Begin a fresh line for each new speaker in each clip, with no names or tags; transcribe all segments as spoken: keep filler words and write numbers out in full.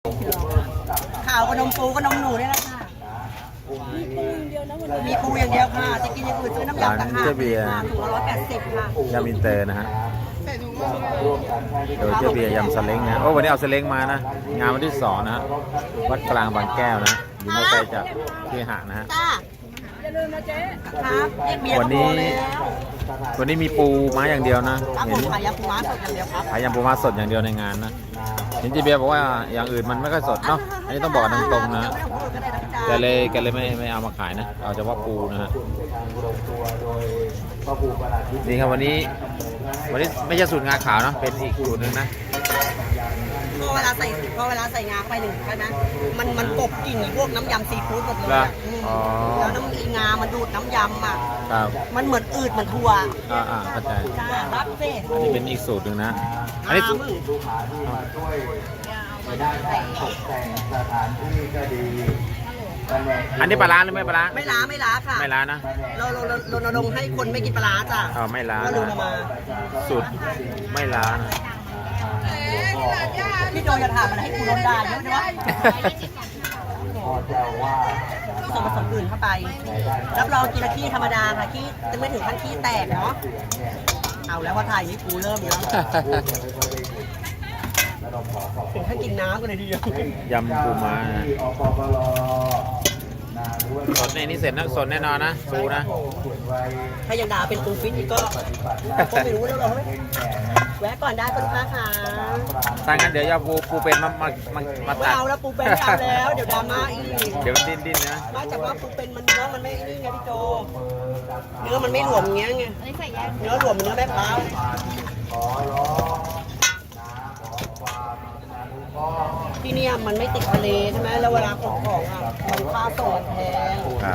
ข่าวขนมปูขนมหนูนี่แหละค่ะมีปูอย่างเดียวค่ะจะกินอย่างอื่นซื้อน้ำยำต่างหากถุงละร้อยแปดสิบค่ะ
ยำอินเตอร์นะฮะโดยเจ้าเบียร์ยำสเล้งนะโอ้วันนี้เอาสเล้งมานะงานวันที่สองนะฮะวัดกลางบางแก้วนะอยู่ไม่ไกลจากที่หะนะฮะวันนี้วันนี้มีปูม้าอย่างเดียวนะเห็น
ขายยำปูม้าสดอย่างเดียวครับ
ขายยำปูม้าสดอย่างเดียวในงานนะเห็นเจ้าเบียร์บอกว่าอย่างอื่นมันไม่ค่อยสดเนาะอันนี้ต้องบอกกันตรงๆนะแกเลยแกเลยไม่ไม่เอามาขายนะเอาเฉพาะปูนะฮะนี่ครับวันนี้วันนี้ไม่ใช่สูตรงาขาวเนาะเป็นอีกสูตรหนึ่งนะ
พอเวลาใส่พอเวลาใส่งาไปหนึ่งใช่ไหมมันมันกบกลิ่นพวกน้ำยำซีฟู้ดหมดเลยแล้วน้ำงามันดูดน้ำยำอ่ะมันเหมือนอืดเหมือนถั่ว
อ่าอ่าเข้าใจ
รับเซ่
อันนี้เป็นอีกสูตรหนึ่งนะอันนี้อันนี้ปลาล้าหรือไม่ปลาล้า
ไม่ล้าไม่ล้าค่ะ
ไม่ล้านะ
เราเราเราเราลงให้คนไม่กินปลาล้าจ้ะ
อ๋อไม่ล้า
ก็ดูมา
สูตรไม่ล้านะ
พี่โจจะถามมันให้กูโดนด่าเยอะใช่ไหมส่วนผสมอื่นเข้าไปรับรองกินละขี้ธรรมดาค่ะขี้จะไม่ถึงขั้นขี้แตกเนาะเอาแล้วพอถ่ายนี่กูเริ่มแล้วถึงขั้นกินน้ำกันเลยทีเดียวย
ำปูม้านะสดในนี้เสร็จนะสดแน่นอนนะปูนะ
ถ้ายังด่าเป็นปูฟิตอีกก็ก็ไม่รู้แล้วหรอแวะก่อนได้คุณลูกค้าค่ะ
ถ้างั้นเดี๋ยวจะปูปูเป็นมามามามาตัด
เอาแล้วปูเป็นเอาแล้วเดี๋ยวดราม่าอีก
เดี๋ยวมันดิ้นดิ้นนะ
นอกจากว่าปูเป็นมันเนื้อมันไม่นี่ไงพี่โจเนื้อมันไม่หลวมเงี้ยไงเนื้อหลวมเนื้อแม่พร้าวที่นี่มันไม่ติดทะเลใช่ไหมแล้วเวลาของของอ่ะมันค่าส่งแพง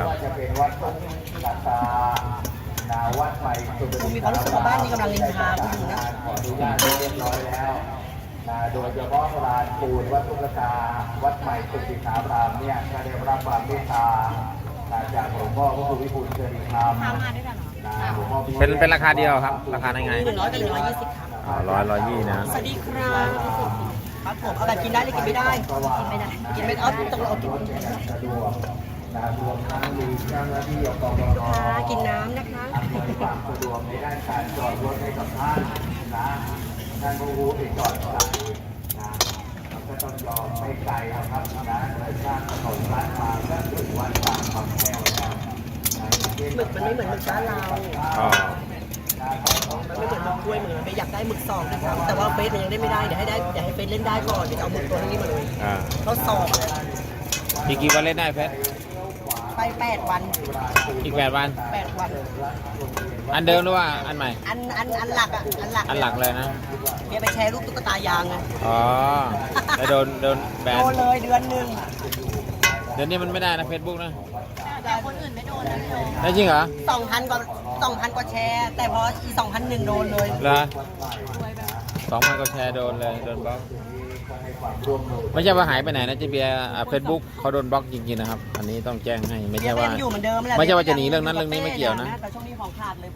คุณมีความรู้สึกว่าบ้านนี้กำลังนินทาคุณอยู่นะ
เรียบร้อยแล้วโดยเฉพาะลานปูนวัดตุลกาวัดใหม่สุติสารามเนี่ยก็ได้รับความเมตตาจากหลวงพ่อพระครูวิบูลย์เจริญธรรม
เป็นเป็นราคาเดียวครับราคายังไง
หนึ่งร้อยกับหนึ่งร้อยยี่สิบครับ
อ๋อร้อยร้อยยี่นะ
สวัสดีครับครับผมเอาแบบกินได้หรือกินไม่ได้กินไม่ได้กินไม่เอาต้องเอากิน
รวมทั้งมีเจ้าหน้าที่อบต.
กินน้ำนะคะ
ความสะดวกในด้านการจอดรถให้กับท่านนะท่านผู้รู้ติดจอดจ่ายนะก็ต้องยอมไม่ไกลนะครับนะเลยสร้างถนนล้านมาก็ถึงวัดบางคำแก้วแล้ว
หมึกมันไม่เหมือนหมึกบ้านเรา
อ๋อ
มันไม่เหมือนหมึกกล้วยเหมือนไปอยากได้หมึกสองนะครับแต่ว่าเฟสมันยังได้ไม่ได้เดี๋ยวให้ได้เดี๋ยวให้เฟสเล่นได้ก่อนเดี๋ยวเอาหมึกตัวนี้มาเลยเขาสอบ
อีกกี่วันเล่นได้เพชร
ไปแปดวัน
อีกแปดวัน
แปดวัน
อันเดิมหรือว่าอันใหม่
อันอันอันหลักอ่ะอันหลัก
อันหลักเลยนะ
เดี๋ยวไปแชร์รูปตุ๊กตายางไง
อ๋อแล้วโดนโดนแบน
โดนเลยเดือนหนึ่ง
เดือนนี้มันไม่ได้นะเฟซบุ๊กนะ
แต่คนอื่นไม่โดนนะพี่โจ
ได้จริงเหรอ
สองพันกว่าสองพันกว่าแชร์แต่พออีสองพันหนึ่งโดนเลย
เหรอสองพันกว่าแชร์โดนเลยโดนบล็อกไม่ใช่ว่าหายไปไหนนะเจเบียร์เฟซบุ๊กเขาโดนบล็อกจริงๆนะครับอันนี้ต้องแจ้งให้ไม่ใช่ว่าไม่ใช่ว่าจะหนีเรื่องนั้นเรื่องนี้ไม่เกี่ยวนะ
แต่ช่วงนี้ของขาดเลย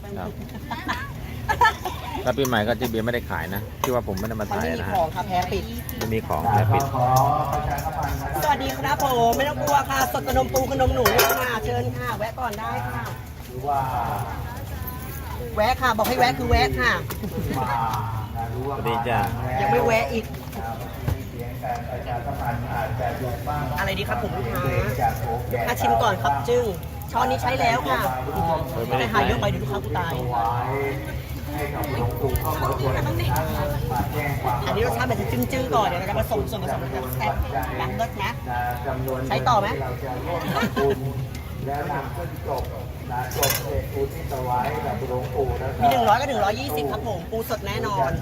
ถ้าปีใหม่ก็เจเบียร์ไม่ได้ขายนะที่ว่าผมไม่ได้มาถ่ายนะฮะ
ของค่ะแพ้ปิด
ไม่มีของแพ้ปิด
สวัสดีครับผมไม่ต้องกลัวค่ะสดขนมปูขนมหนูเลยค่ะเชิญค่ะแวะก่อนได้ค่ะแวะค่ะบอกให้แวะคือแวะค่ะ
สวัสดีจ้า
ยังไม่แวะอีกอะไรดีครับผมลูกค้าลูกค้าชิมก่อนครับจึ้งช้อนนี้ใช้แล้วค่ะแต่หายเยอะไปเดี๋ยวลูกค้ากูตายอันนี้รสชาติมันจะจึ้งๆก่อนเดี๋ยวเราจะผสมส่วนผสมมันจะแซ่บล้างเลิศนะใช้ต่อไหม
แล้วนำขึ้นจบนะจบเสร็จปูที่ตะไว้กับหลวงปู่นะครับ
มีหนึ่งร้อยกับหนึ่งร้อยยี่สิบครับผมปูสดแน่นอน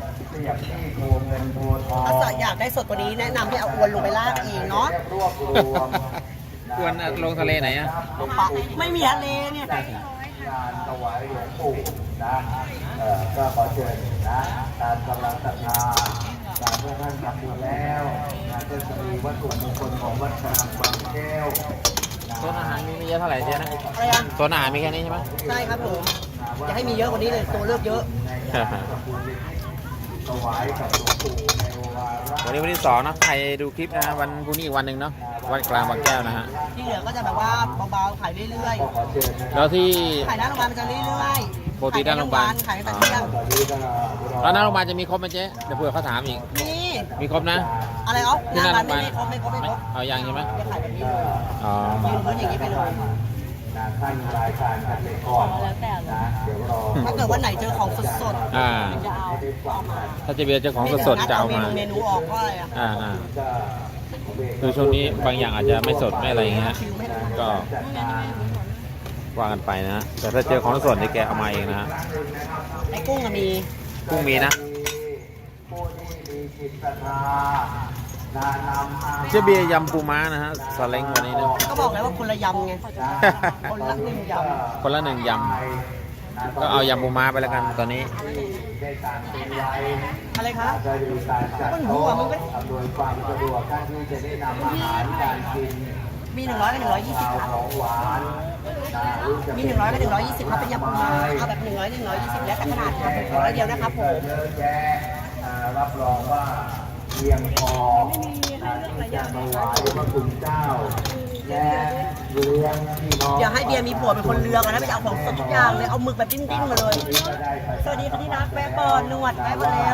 ถ้าอยากได้สดกว่านี้แนะนำให้เอาอวนลงไปลากเองเนาะ
อวนลงทะเลไหนอะ
ไม่มีทะเลเนี่ย
งานถวายหลวงปู่นะเอ่อก็ขอเชิญนะตามกำลังศรัทธาตามเพื่อท่านทำบุญแล้วงานก็จะมีวัตถุมงคลของวัดกลางบางแก้ว
โซนอาหารมีไม่เยอะเท่าไหร่เจ๊นะ
อะไรอ่ะ
โซนอาหารมีแค่นี้ใช่ไหม
ใช่ครับผมจะให้มีเยอะกว่านี้เลยตัวเลือกเยอะ
ถวายกับหลวงปู่ในวาระ
วันนี้วันที่สองนะใครดูคลิปนะฮะวันพรุ่งนี้อีกวันหนึ่งเนาะวัดกลางบางแก้วนะฮะ
ที่เหลือก็จะแบบว่าเบาๆขายเรื่อย
แล้วที่
ๆขายหน้าโรงพยาบาลมันจะเรื่อยๆ
ปกติหน้าโรงพยาบาล
ขายแต่เที่ยง
แล้วหน้าโรงพยาบาลจะมีครบไหมเจ๊เดี๋ยวเผื่อเขาถามอีก
นี่
มีครบนะ
อะไรอ๋อห
ที่
น้า
หน้า
ร้า
โร
น
งพยาบาล
ไม่ครบไม่ครบไม่ครบ
เอายังใช่ไหม
จะขายแบบนี้เลย
อ๋อ
ยืนพื้นอย่างนี้ไปเลย
ขั้นรายการกันไปก่อนนะเดี๋ยวรอ
ถ้าเกิดวันไหนเจอของสดๆ
อ่า
จะเอาเอามา
ถ้าเจะเบียร์เจ้าของสดๆจะเอามา
เมนูออกเพราะอะไรอ่ะ
อ่าอ่าคือช่วงนี้บางอย่างอาจจะไม่สดไม่อะไรอย่างเงี้ยก็ว่ากันไปนะฮะแต่ถ้าเจอของสดนี่แกเอามาเองนะฮะ
ไอ้กุ้งก็มี
กุ้งมีนะ
ผู้ที่มีจิตศรัทธานานำอา
เจ๊เบียร์ยำปูม้านะฮะสเล้งวันนี้นะ
ก็บอกแล้วว่าคนละยำไงคนละหนึ่งย
คนละหนึ่งยำก็เอายำปูม้าไปแล้วกันตอนนี้
ได้การซื้อไว้
ำอะไรคะ
ก็มีการจัด
มันหัว
โต๊ะ
มันก็
อำนวยความสะดวกการที่จะได้นำอาหารการกิน
มีหนึ่งร้อยกับหนึ่งร้อยยี่สิบ
ข้าว
ครับ
ของหวานนะหรือจะ
มีหนึ่งร้อยกับหนึ่งร้อยยี่สิบครับเป็นยำปูม้าเอาแบบหนึ่งร้อยหนึ่งร้อยยี่สิบแล้วแต่ขนาดครับผมขอร้อยเดียวนะครับผม
เยอะแยะอ่ารับรองว่าเพียงพอนะที่จะมาไหว้พระคุณเจ้าและเลี้ยงพี่น้อง
อย่าให้เบียร์มีผัวเป็นคนเลือกนะไปเอาของสดทุกอย่างเลยเอาหมึกแบบดิ้นๆมาเลย สวัสดีค่ะที่รักแวะก่อนนวดแวะมาแล้ว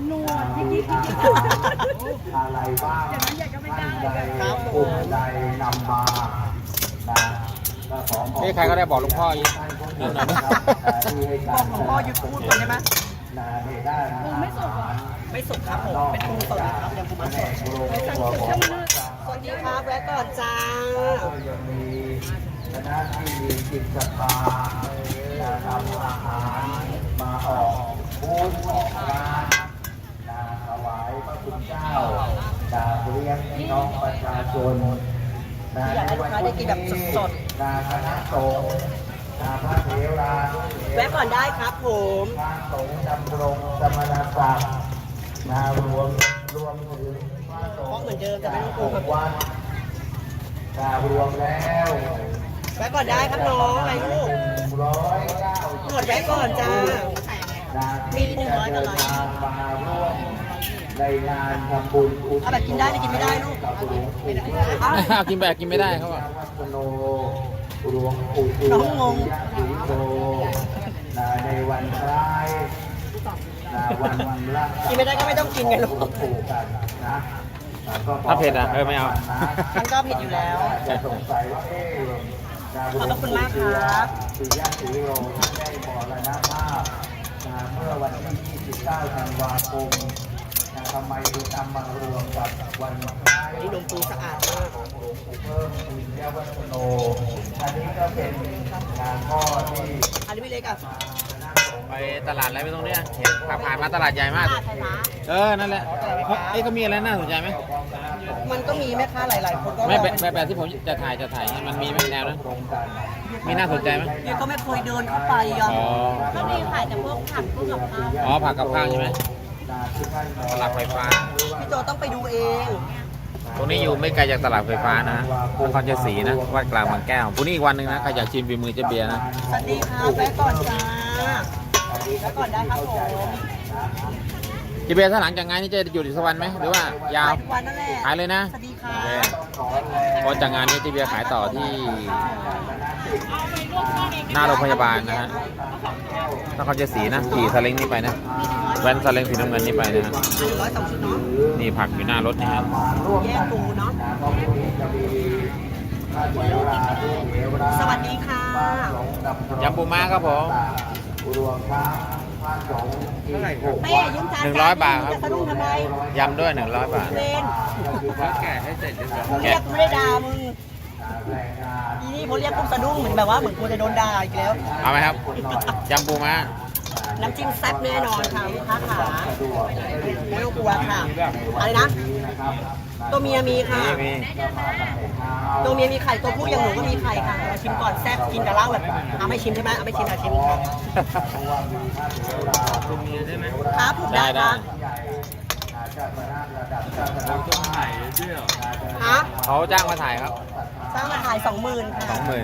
อะไรบ้างท่านใดกลุ่มใดนำมานะก็ขอขอบ
นี่ใครก็ได้บอกหลวงพ่ออีกนิดหน่อยนะ
บอกหลวงพ่อหยุดพูดก่อนได้ไหม
นะในด้านไม่สุก
ไม่สุกครับผมเป็นปูสดครับยำปูม้าสดสวัสดีครับแวะก่อนจ้า
ก็ยังมีคณะที่มีจิตศรัทธานะนำอาหารมาออกบูธออกร้านนะถวายพระคุณเจ้านะเลี้ยงพี่น้องประชาชนนะ
อยากให้ลูกค้าได้กินแบบสด
นะคณะสงฆ์นะพระเถรานุเถ
ๆ
ร
แวะก่อนได้ครับผม
พระสงฆ์ดำรงสมณศักดิ์นารวมรวมถึงพระส
เพ
ง
ราะ
ฆ์
เหมือนเดิมแต่ไม่ต้องกลัว
วัดนารวมแล้ว
แวะก่อนได้ครับน้องอะไรลูก
ร้อยเก้า
หมดแวะก่อนจ้า มีปูร้อยกับร้อย
มาร่วมในงานทำบุญอุทิศ
เอาแบบกินได้หรือกินไม่ได้ลูก
กับหลวงปู่
เอากินแบบกินไม่ได้เขาบอก
วัฒโนหลวงปู่
น้องงง
ศรีโตนะในวันคล้ายนะวันละ
กินไม่ได้ก็ไม่ต้องกินไงลูก
หลวงปู่กันนะ
ถ้าเผ็ดอ่ะเออไม่เอา
มันก็ผิดอยู่แล้ว
จะสงสัยว่าเอ๊ะ
ขอบพระคุณมากครับ
สีญาติโรท่านได้มรณภาพนะเมื่อวันที่ยี่สิบเก้าธันวาคมนะทำไมถึงนำมารวมกับวันคล้าย
นี่นมปูสะอาดมาก
ของหลวงปู่เพิ่มปุญญวัฒโน อันนี้ก็เป็นงานข้อที่
อันนี้ไม่เล็กอ่ะ
ไปตลาดอะไรไม่ตรงเนี้ยเห็นขับผ่านมาตลาดใหญ่มาก
ตลาดไทยม้า
เออ นั่นแหละเขาเอ้ยเขามีอะไรน่าสนใจไหม
มันก็มีแม่ค้าหลาย ๆ คนก็
ไม่แบบแบบแบบที่ผมจะถ่ายจะถ่ายเนี่ยมันมีไหมแนวนั้นมีน่าสนใจไหม
เนี่ยก็ไม่เคยเดินเข้าไปอ่ะ
อ๋อ
ก็มีขายแต่พวกผักพวกกับข้าว
อ๋อผักกับข้าวใช่ไหมตลาดไฟฟ้า
พี่โจต้องไปดูเอง
ตรงนี้อยู่ไม่ไกลจากตลาดไฟฟ้านะนครชัยศรีนะวัดกลางบางแก้วพรุ่งนี้อีกวันหนึ่งนะใครอยากชิมฝีมือเจ๊เบียร์นะ
สวัสดีครับแวะก่อนจ้าแวะก่อนได้ครับผม
เจ๊เบียร์ถ้าหลังจากงานนี้จะหยุดอีกสักวันไหมหรือว่ายาว
ขายทุกวันนั่นแหละ
ขายเลยนะ
สวัสดีค่ะ
โอเคเพราะจากงานนี้เจ๊เบียร์ขายต่อที่หน้าโรงพยาบาลนะฮะนครชัยศรีนะขี่ซาเล้งนี่ไปนะแว้นซาเล้งสีน้ำเงินนี่ไปนะฮะ
หนึ่งร้อยสองชุดเนาะ
นี่ผักอยู่หน้ารถนี่ครับ
แยกปูเนาะ สวัสดีค่ะ
ยำปูม้าครับผม
รวมทั้งพระสงฆ์ที่หก
เต้ยืมจาน
หนึ่งร้อยบาทครับ
จะสะดุ้งทำไม
ยำด้วยหนึ่งร้อยบาท
เล่น
แก่ให้เสร็จเรียบร้อย
มึงเรียกกูไม่ได้ด่ามึง
แรงงาน
อีนี่พอเรียกปุ๊บสะดุ้งเหมือนแบบว่าเหมือนกูจะโดนด่าอีกแล้ว
เอาไหมครับยำปูม้า
น้ำจิ้มแซ่บแน่นอนค่ะลูกค้าขาไม่ต้องกลัวค่ะ อะไรนะ ตัวเมียมีค่ะ
นี่มี
ตัวเมียมีไข่ ตัวผู้อย่างหนูก็มีไข่ค่ะเราชิมก่อนแซ่บกินกับเหล้าแบบเอาไม่ชิมใช่ไหมเอาไม่ชิมเอาชิมค่ะครับผม
ได้
ได้
ได้
ค่ะฮะ
เขาจ้างมาถ่ายครับ
จ้างมาถ่ายสองหมื่น
ส
ค่ะ
องหมื่น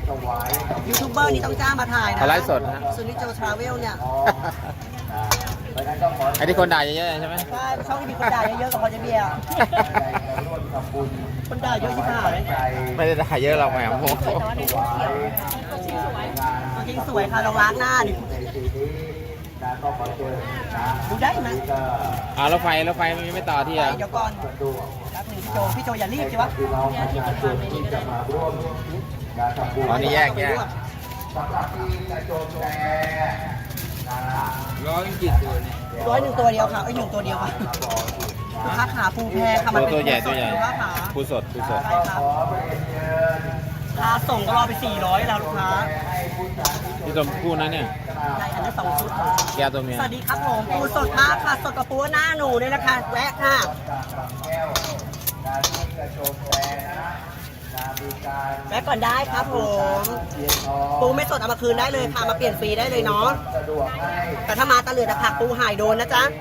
ยูทูบเบอร์นี่ต้องจ้างมาถ่ายนะ
เขาไลฟ์สดนะฮะ
ซูนิโจทราเวลเนี่ย
ไล
ราะฉะนั้นก็ขอ
ไอ้ที่คนด่าเยอะๆใช่ไหม
ใช่ช่องที่มีคนด่าเยอะๆกับพอจะเบียร์
ร่วมทำบุญ
คนด่าเยอะชิบหายเลย
ใจ
ไม่ได้ด่าเยอะเราแหมโม
ถวายงาน
ตัวจริงสวยค่ะลองล้างหน้าดิ
ในปีนี้นะก็ขอเชิญนะ
ดูได้ไหม
นี่ก็
อ่ารถไฟรถไฟมันยังไม่ต่อที่
ไป
อ่ะ
เดี๋ยวก่อน
สะดวก
แป๊บหนึงพี่โจพี่โจอย่ารีบใช่ปะ
พี่น้องประชาชนที่จะมาร่วมงานทำบุญ
อ๋อนี่แยกแยก
สำหรับที่กระโจมแพรนะ
ร้อยจิตตัวนี่
ร้อยหนึ่งตัวเดียวค่ะไอ้ยหนึ่งตัวเดียวค่ะลูกค้าขาปูแพรค่ะมัน
ตัว
เป็น
ตัวใหญ่
ปู
ตัวใหญ่
สดลูกค้าขา
ผู้สดผู้สด
ใช่ครับ
ขอเรียนเชิญ
ค่าส่งก็รอไปสี่ร้อยแล้วลูกค้า
ให้ผู้สาธุชน
ที่ตัวผู้นั้นเนี่ย
ใช่อันนี้สองชุดค่ะ
แก้วตัวเมีย
สวัสดีครับผมปูสดมากค่ะสดกับปูหน้าหนูเลยนะคะแวะค่ะ
จากบางแก้วนาที่กระโจมแพรนะนามีการ
แวะก่อนได้ครับผม
เทียนทอง
ปูไม่สดเอามาคืนได้เลยค่ะมาเปลี่ยนฟรีได้เลยเนาะ
สะดวกให้
แต่ถ้ามาตะเลือดตะผักปูหายโดนนะจ๊ะ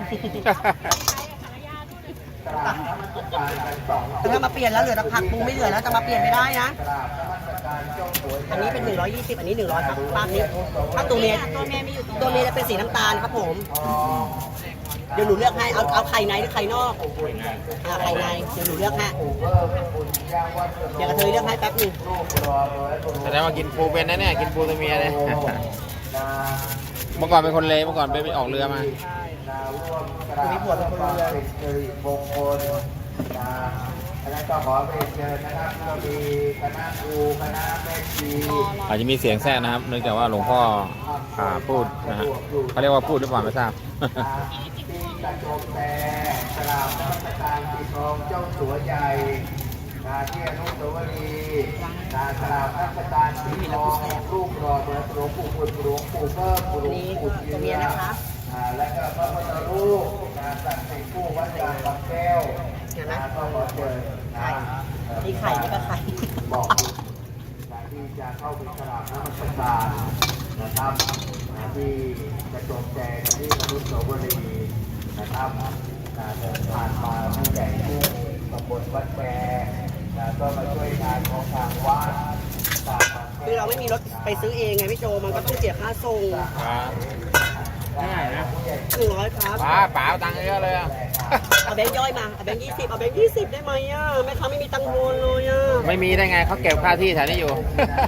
กราบนมัสการกันสอง
แต่ถ้ามาเปลี่ยนแล้วเหลือตะผักปูไม่เหลือแล้วจะมาเปลี่ยนไม่ได้นะ
กราบนมัสการเจ้าสวย
อันนี้เป็นหนึ่งร้อยยี่สิบอันนี้หนึ่งร้อยครับป้านี้ถ้าตัวเมียตัวเมียมีอยู่ตัวเมียจะเป็นสีน้ำตาลครับผม เดี๋ยวหนูเลือกให้เอาเอาไข่ในหรือไข่นอกอ่าไข่ในเดี๋ยวหนูเลือกให้
ปู่เพิ่มบุญย่างวัด
เดี๋ยวกระเทยเลือกให้แป๊บหนึง
ลูกรอร้อยบุญ
แสดงว่ากินปูเป็นนะเนี่ยกินปูตัวเมียเลย
นา
เมื่อก่อนเป็นคนเลวเมื่อก่อนไปไปออกเรือมา
นาร่วมกราบความเป็นสิริมงคลนะอันนั้นก็ขอเรียนเชิญนะครับก็มีคณะครูคณะแม่ชี
อาจจะมีเสียงแทรกนะครับเนื่องจากว่าหลวงพ่ออ่าพูดนะฮะเขาเรียกว่าพูดหรือเปล่าไม่ทราบ
ที่กระโจมแพรกราบนมัสการปิดทองเจ้าสัวใหญ่นาที่อนุสาวรีย์นากราบนมัสการปิดทองรูปหล่อเหมือนหลวงปู่บุญหลวงปู่เพิ่มหลวง
อันนี้
ปู่
ตัวเมียนะคะ
อ่าและก็พระพุทธรูปนาศักดิ์สิทธิ์ผู้วัดกลางบางแก้ว
เห็นไหม
นาก็ขอเชิญนะ
ไข่นี่ไข่นี่ก็ไข่
บอกการที่จะเข้าไปกราบนมัสการนะครับนะที่กระโจมแจงที่อนุสาวรีย์นะครับนะเดินผ่านมาผู้ใหญ่ผู้ตำบลวัดแปรนะก็มาช่วยงานของทางวัดตามมา
คือเราไม่มีรถไปซื้อเองไงพี่โจมันก็ต้องเสียค่าส่ง
ง่ายนะ
หนึ่งร้อยครับ
ป๋าป๋าเอาตังค์เยอะเลยอะ
เอาแบงค์ย่อยมาเอาแบงค์ยี่สิบเอาแบงค์ยี่สิบได้ไหมอ่ะแม่ค้าไม่มีตังค์โอนเลยอ่ะ
ไม่มีได้ไงเขาเก็บค่าที่แถวนี้อยู่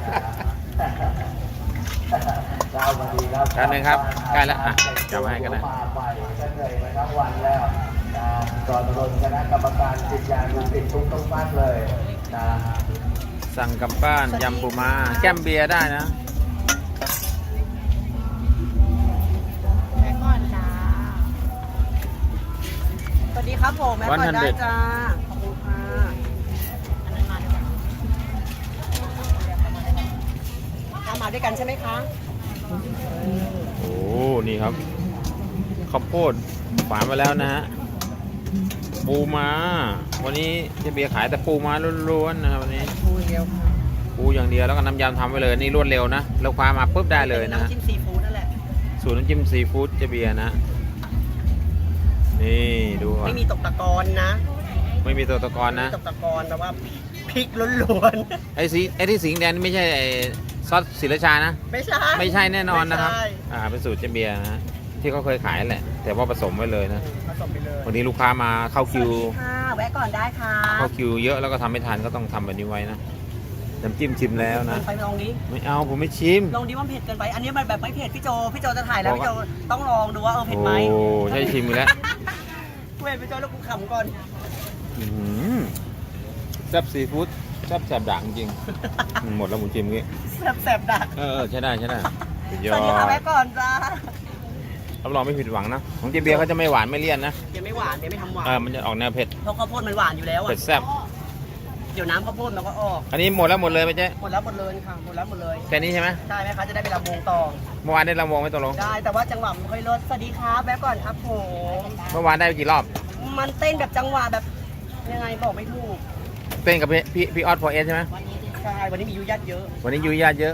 ดาววันดีครับ
กันหนึ่งครับใกล้แล้วอ่ะจำให้กันนะ
มาใหม่ก็เลยมาทั้งวันแล้วนะก่อนรนคณะกรรมการจิตยานุสิตทุกทุกท่านเลยนะ
สั่งกลับบ้านยำปูม้าแก้มเบียร์ได้นะ
แม่ก่อนจ้าสวัสดีครับผมแม่ก่อนได้จ้าขอบคุณค่ะอันนั้นมาด้วยกันเอามาด้วยกันใช่ไหมคะ
โอ้นี่ครับข้าวโพดฝานมาแล้วนะฮะปูม้าวันนี้เจะเบียร์ขายแต่ปูม้าล้วนๆนะครับวันนี้
ปูเดียวค่ะ
ปูอย่างเดียวแล้วก็น้ำยำทำไว้เลยนี่รวดเร็วนะเราคว้ามาปุ๊บได้เลยนะ
น้ำจิ้มซีฟู้ดนั่นแหละ
สูตรน้ำจิ้มซีฟู้ดเจะเบียร์นะ นี่ดูก่อน
ไม่มีตกตะกอนนะ
ไม่มีตัวตะกอนนะ
ตกตะกอนแต่ว่าพริกล้วน
ไอ้สีไอ้ที่สิงห์แดงนี่ไม่ใช่ไอ้ซอสศิลชานะ
ๆไม่ใช่
ไม่ใช่แน่นอนนะครับ
ไม่ใช่
อ่าเป็นสูตรเจะเบียร์นะที่เขาเคยขายแหละ แต่ว่าผสมไว้เลยนะ
ผสมไปเลย
วันนี้ลูกค้ามาเข้า
ส
คิ
วัส
ว
ดีค่ะแวะก่อนได้ค่ะ
เข้าคิวเยอะแล้วก็ทำไม่ทันก็ต้องทำแบบนี้ไว้นะน้ำจิ้มชิมแล้วนะ
ไปลองนี้
ไม่เอาผมไม่ชิม
ลองดิว่าเผ็ดเกินไป อันนี้มันแบบไม่เผ็ดพี่โจพี่โจจะถ่ายแล้วพี่โจต้องลองดูว่าเออเผ็ด
โอ้
ไหม
ใช่ชิมอีกแล้ว
เว้ยพี่โจแล้วกูขำก่อน
อื้อหือแซ่บซีฟู้ดแซ่บแสบด่างจริงหมดแล้วหมูชิมงี้
แสบๆดัก
เออเออใช่ได้ใช่ได้สุดย
ส
อ
วัสดีค่ะ
ด
แวะก่อนจ้า
รับรองไม่ผิดหวังนะของเจเบียร์เขาจะไม่หวานไม่เลี่ยนนะ
เดี๋ยวไม่หวานเดี๋ยวไม่ทำหวาน
เออมันจะออกแนวเผ็ด
เพราะข้าวโพดมันหวานอยู่แล้วอ่ะ
เผ็ดแซ่บ
เดี๋ยวน้ำข้าวโพดมันก็ออก
อันนี้หมดแล้วหมดเลยไหมเจ๊
หมดแล้วหมดเลยค่ะหมดแล้วหมดเลย
แค่นี้ใช่ไหม
ใช่ไหมคะจะได้ไปลำวงต่อ
เมื่อวานได้รำวงไหม่ตกลง
ได้แต่ว่าจังหวะมันค่อยลดสวัสดีครับแวะก่อนครับผม
เมื่อวานได้ไปกี่รอบ
มันเต้นแบบจังหวะแบบยังไงบอกไม่ถูก
เต้นกับพี่พี่พี่ออสพอเอสใช่ไหม
ใช่วันนี้มียุยัดเยอะ
วันนี้ยุยญาติเยอะ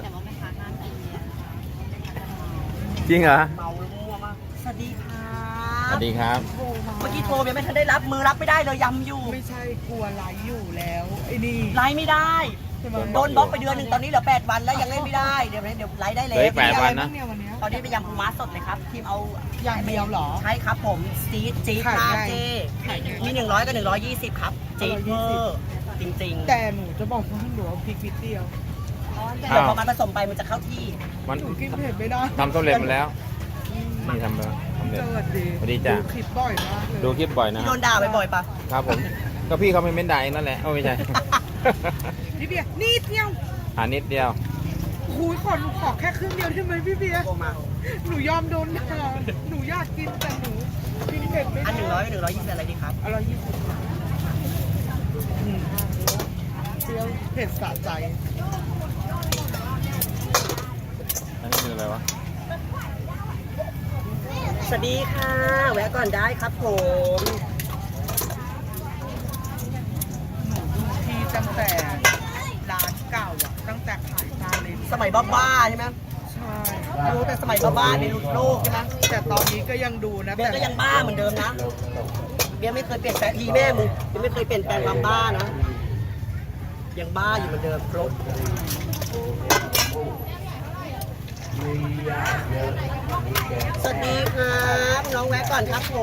จริงเหรอ
เมาแล้วมั่วมากสวัสดีค่ะ
สวัสดีครับ
เมื่อกี้โทรยังไม่ทันได้รับมือรับไม่ได้เลยยำอยู่
ไม่ใช่กลัวไลฟ์อยู่แล้วไอ้นี่
ไลฟ์ไม่ได้โดนบล็อกไปเดือนหนึ่งตอนนี้เหลือแปดวันแล้วยังเล่นไม่ได้เดี๋ยวเดี๋ยวไลฟ์ได้
เห
เล
ลือย อีกแปดวันนะ
ตอนนี้เป็นยำปูม้าสดเลยครับทีมเอา
อย่างเดียวเหรอ
ใช่ครับผมจี๊ดจี๊ด
ขาย
มาก
ไง
เจ้มีหนึ่งร้อยกับหนึ่งร้อยยี่สิบครับจี๊ดเวอร์จริงๆ
แต่หนูจะบอกว่าหนูเอาพริกนิดเดียว
เดี๋ยวพอมันผสมไปมันจะเข้าที่
มัน
หนูกินเผ็ดไม่ได้
ทำสำเร็จมาแล้วนี่ทำแล้วสำเร็จ
เจอดี
สวัสดีจ้ะ
ดูคลิปบ่อยมากเลย
ดูคลิปบ่อยนะ
พี่โดนด่าบ่อยๆปะ
ครับผมก็พี่เขาไม่เม้นด่าเองนั่นแหละโอ้ไม่ใช่
พี่เบียร์นี่เดียว
หานิดเดียว
คุยขอหนูขอแค่ครึ่งเดียวได้ไหมพี่เบียร์
โกมา
หนูยอมโดนด่าหนูอยากกินแต่หนูกินเผ็ดไม่
อันห
ได้
นึ่งร้อยกับหนึ่งร้อยยี่สิบอะไรดีครับ
อร่อยยี่สิบอืมเปรี้ยวเผ็ดสะใจ
อันนี้คืออะไรวะ
สวัสดีค่ะแวะก่อนได้ครับผม
หนูดูที่ตั้งแต่ร้านเก่าอ่ะตั้งแต่ขายซาเลน
สมัยบ้าๆใช่ไหม
ใช่
ดูแต่สมัยบ้าๆในรุ่นโลกใช่ไหม
แต่ตอนนี้ก็ยังดูนะ
เบียร์ก็ยังบ้าเหมือนเดิมนะเบียร์ไม่เคยเปลี่ยนแปลงทีแม่มึงยังไม่เคยเปลี่ยนแปลงความบ้านะยังบ้าอยู่เหมือนเดิมครบสวัสดีครับน้องแวะก่อนครับผม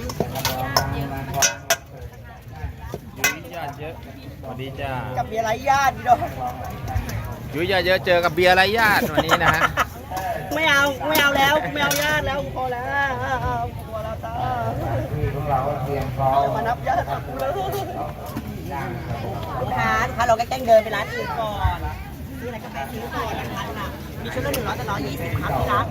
ยุ้ยญาติเยอะสวัสดีจ้า
กับเบียร์ไรญาติพี่ดอก
ยุ้ยญาติเยอะเจอกับเบียร์ไรญาติวันนี้นะฮะ
ไม่เอาไม่เอาแล้วไม่เอาญาติแล้วพอแล้วพอแล้วจ้า
ที่พวกเราเตรียมพร้อม
จะมานับญาติกับกูแล้วลูกค้าลูกค้าเราก็แกล้งเดินไปร้านอื่นก่อนซื้ออะไรก็ไปซื้อก่อนนะคะน่ะมีชุดละหนึ่งร้อยกับร้อยยี่สิบครับที่ร้าน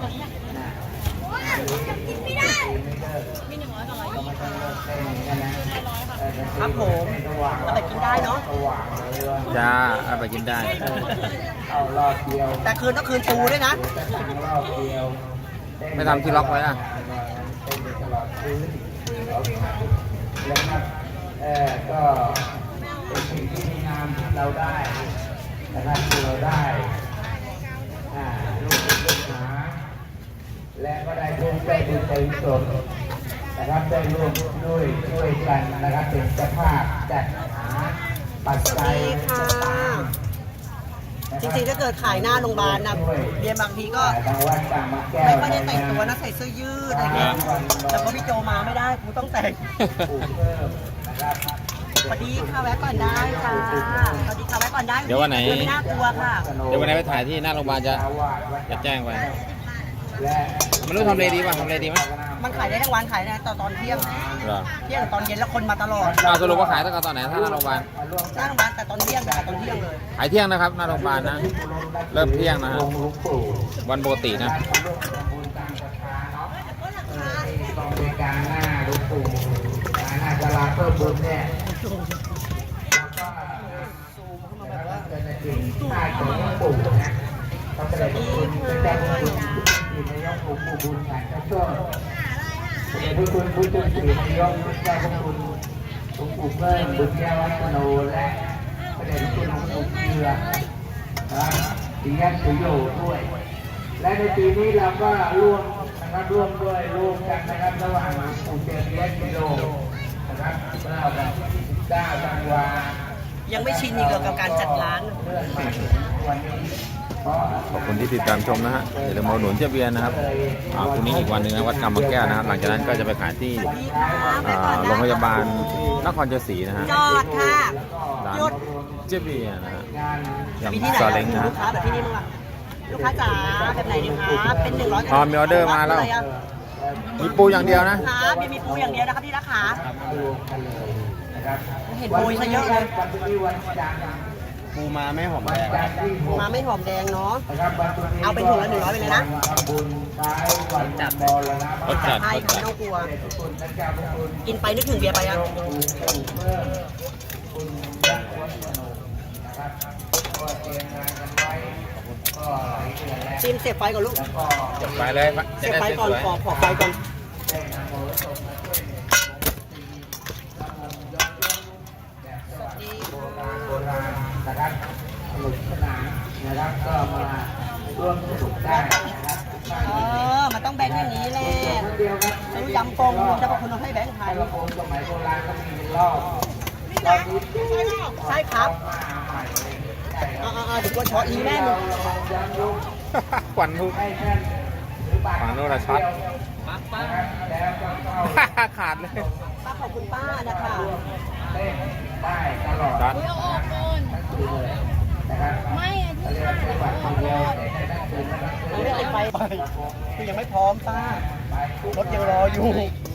ครับผมเราไปกินได้เนาะ
จ้าเอาไปกินได้
เอารอบเดียว
แต่คืนต้องคืนปูด้วยนะ
สั่งรอบเดียว
ไม่ทำที่ล็อกไว้อะ
เป็นไปตลอดคืนแล้วครับเออก็เป็นสิ่งที่ดีงามที่เราได้นะครับที่เราได้อ่าลูกศิษย์ลูกหาและก็ได้ร่วมใจบุญใจกุศลนะครับได้ร่วมด้วยช่วยกันนะครับเป็นเจ้าภาพจัดหาปัจจัย
ดีค่ะ จริงๆถ้าเกิดขายหน้าโรงพยาบาลนะเบียร์บางทีก็
ทางวัดต่างมาแก้ว
ไม่ค่อยได้แต่งตัวนะใส่เสื้อยืดอะไรเงี้ยแต่พอพี่โจมาไม่ได้กูต้องแต่ง
ปลูกเพิ่มนะครับ
สวัสดีค่ะแวะก่อนได้ค่ะสวัสดีค่ะแวะก่อนได้
เดี๋ยววันไหน
ไม่น่ากลัวค่ะ
เดี๋ยววันไหนไปถ่ายที่หน้าโรงพยาบาลจะจะแจ้งไป
และ
ไม่รู้ทำเลดีป่ะทำเลดีไหม
มันขายได้ทั้งวันขายได้ตอนตอนเที่ยง
เหรอ
เที่ยงตอนเย็นแล้วคนมาตลอด
เอาสรุปว่าขายตั้งแต่ตอนไหนถ้าหน้าโรงพยาบาล
หน้าโรงพยาบาลแต่ตอนเที่ยงแต่ตอนเที่ยงเลย
ขายเที่ยงนะครับหน้าโรงพยาบาลนะ เริ่มเที่ยงนะฮะ
หลวงปู่
วันปกตินะ
ร่วมทำบุญตามศรัทธาเนาะเออที่กองบริการหน้าหลวงปู่หน้าศาลาเพิ่มบุญเนี่ยแล้วก็แล้วก็เกิดจริงใต้ของหลวงปู่นะเขาจะได้ขอบคุณเป็นเจ้าบุญที่นายกหลวงปู่บุญการเจ้าช่วงเดี๋ยวคุณผู้ช่วยสื่อนายกเจ้าพระคุณหลวงปู่เพิ่มบุญแก้ววัฒโนและพระเดชพระคุณหลวงปู่เกลือนะปิยะสุโยด้วย และในปีนี้เราก็ร่วมนะครับร่วมด้วยร่วมกันนะครับระหว่างหลวงปู่เจริญและกิโลนะครับเมื่อวันที่สิบเก้าธันวา
ยังไม่ชินอีกเหรอกับการจัดร้าน
เรื่องมาถึงวันนี้เพราะ
ขอบคุณที่ติดตามชมนะฮะอย่าลืมมาอุดหนุนเจ๊เบียร์นะครับอ่าพรุ่งนี้อีกวันหนึ่งนะวัดกำมะแก้วนะครับหลังจากนั้นก็จะไปขายที่อ่าโรงพยาบาลนครชัยศรีนะฮะ
จอดค่ะ
ร้าน
หยุด
เจ๊เบียร์นะฮะ
มีที่ไหน
ยำซา
อะ
เล้งนะฮะ
ลูกค้าแบบที่นี่มั้งอะลูกค้าจ๋าแบบไหนดีคะเป็นหนึ่งร้อย
อ๋อมีออเดอร์มาแล้ว
เลยอะ
มีปูอย่างเดียวนะ
ครับมีมีปูอย่างเดียวนะครับที่ราคา
รวมกันเลยนะครับ
เห็นโปรยซะเยอะเลย
วันนี้วันจันทร์
ปูมาไม่หอม
วัน
แดง
จันทร์ที่หก
มาไม่หอมแดงเนาะ
นะครับวันพรุ่งนี้
เอาเป็นถุงละหนึ่งร้อยไปเลยนะ
ทำบุญท้ายวันจัดบอลแล้วนะ
รสจัด
ใช่
รส
ค่ะ
จัด
ไม่ต้องกลัว
ขอบคุณพระเจ้าพระคุณ
กินไปนึกถึงเบียร์ไปอะ
หลวงปู่ปู่เพิ่มคุณยักษ์วัฒโนนะครับก็เตรียมงานกันไว้ก็หลายเดือนแล้ว
ชิมเสียบไฟก่อนลูก
แล้วก็
จบไปเลยจะ
เสียบ
ได้
ไฟ
ส
ก่อน
วย
ขอขอไฟก่อน
ได้นำโมสมมาช่วยเหลือโบราณโบราณนะครับสนุกสนานนะครับก็มาร่วมสนุกได้นะครับทุกท่าน
เออมันต้องแบงค์อย่างนี้แหละ
คนเดียวครับ
ซื้อยำกงจะบอกคุณเอาให้แบงค์ไทย
กระโปรงสมัยโบราณก็มีเป็นรอบรอบนี้
ใช่ครับ
มาใหม่เลยใช่ครับ
ตัวชออีแม่มึง
ขวัญทุกฝั่งโน้นละช็อตขาดเลย
ป้าขอบคุณป้านะคะ
ช็อต
เอาออกก่อนไม่อะที่ขาดเอาออกก่อน
มันไม่ติดไฟไปคือยังไม่พร้อมป้ารถยังรออยู่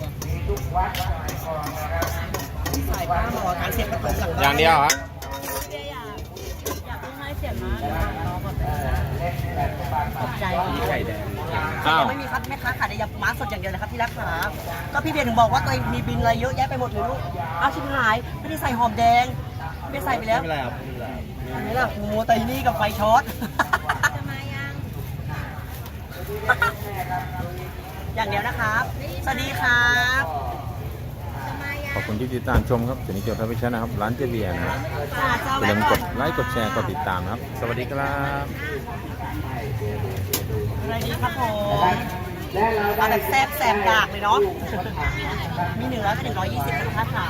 สายป้าหมอการเสียบกระตุ้นหลังบ้าน
อย่างเดียวเหรอ
เบียร์อยากอยากให้เสียมาน้องก่อนขอบใจ
ไข่แดง
ยั
อ้าว
งไม่มีครับแม่ค้าขายแต่ยำม้าสดอย่างเดียวเลยครับที่รักขาก็พี่เบียร์ถึงบอกว่าตัวเองมีบินอะไรเยอะแยะไปหมดเลยลูกเอาชิบหายไม่ได้ใส่หอมแดงไม่ได้ใส่ไปแล้ว
ไม่เป็นไรครับ
อันนี้ล่ะโมไตนี่กับไฟช็อต
จะมายัง
อย่างเดียวนะครับ สวัสดีครับ
จะมายัง
ขอบคุณที่ติดตามชมครับถึงนี้เกี่ยวกับพิชนะครับ ร้านเจเบียร์นะครับ
จ้าเจ้า
อย่า
แม่
ลืม
ก่
ก
อน
ดไลค์ กดแชร์ กดติดตามนะครับ สวัสดีครับ
อะไรดีครับผมเอาแบบแซ่บแซ่บดากเลยเนาะ มีเนื้อก็หนึ่งร้อยยี่สิบนะคะขา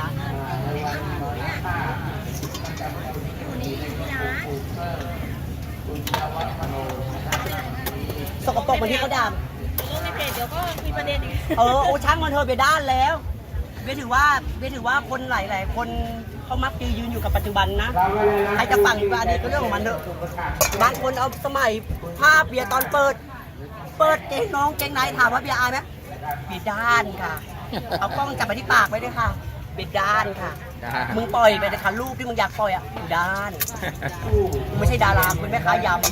สกปรกเหมือนที่เขาด่า
ลงในเพจเดี๋ยวก็มีประเด็นอีก
เออโอ้ช่างมันเธอะเบียร์ด้านแล้วเบียร์ถือว่าเบียร์ถือว่าคนหลาย ๆ คนเขามักจะยืนอยู่กับปัจจุบันนะใครจะฟังอยู่ว่าอดีตก็เรื่องของมันเถอะบางคนเอาสมัยภาพเบียร์ตอนเปิด เปิดเกงน้องเกงในถามว่าเบียร์อายไหมเบียร์ด้านค่ะ เอากล้องจับไปที่ปากไว้ด้วยค่ะเบียร์ด้านค่ะ
ด้าน
มึงปล่อยไปเลยค่ะรูปที่มึงอยากปล่อยอ่ะเบียร์ด้านมึงไม่ใช่ดารามึงเป็นแม่ค้ายำ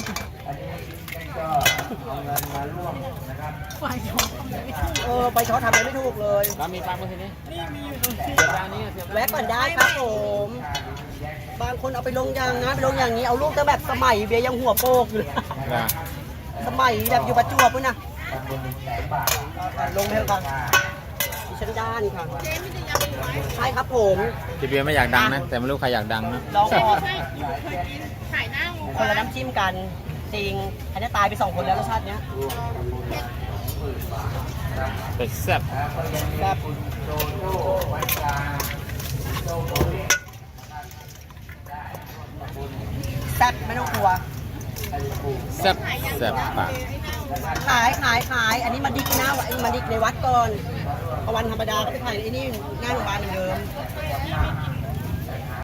เออไปช็อตทำอะไรไม่ถูกเลย
แล้วมีปลาเมื่อกี้นี้นี่มีอยู่ตรงนี้ร้านนี้เสียบ
แวะก่อนได้ครับผมบางคนเอาไปลงอย่างนะไปลงอย่างนี้เอารูปตั้งแบบสมัยเบียร์ยังหัวโปกอยู่เลย
นะ
สมัยแบบอยู่ประจวบด้วยนะลงเถอะครับดิฉันด้านค่ะใช่ครับผม
เจเบียร์ไม่อยากดังนะ แต่ไม่รู้ใครอยากดังนะ
ลองก่อน
ใช่เคยกินขายหน้างู
คนละน้ำจิ้มกันจริงอันนี้ตายไปสองคนแล้วรสชาติเนี้ย
เป็ดแซ่บ
แบบแซ่บไม่ต้องกลัว
แซ่บแซ่บปาก
ขายขายขายอันนี้มาดิกหน้าวัดมาดิกในวัดก่อนพอวันธรรมดาก็ไปถ่ายไอ้นี่หน้าโรงพยาบาลเหมือนเดิม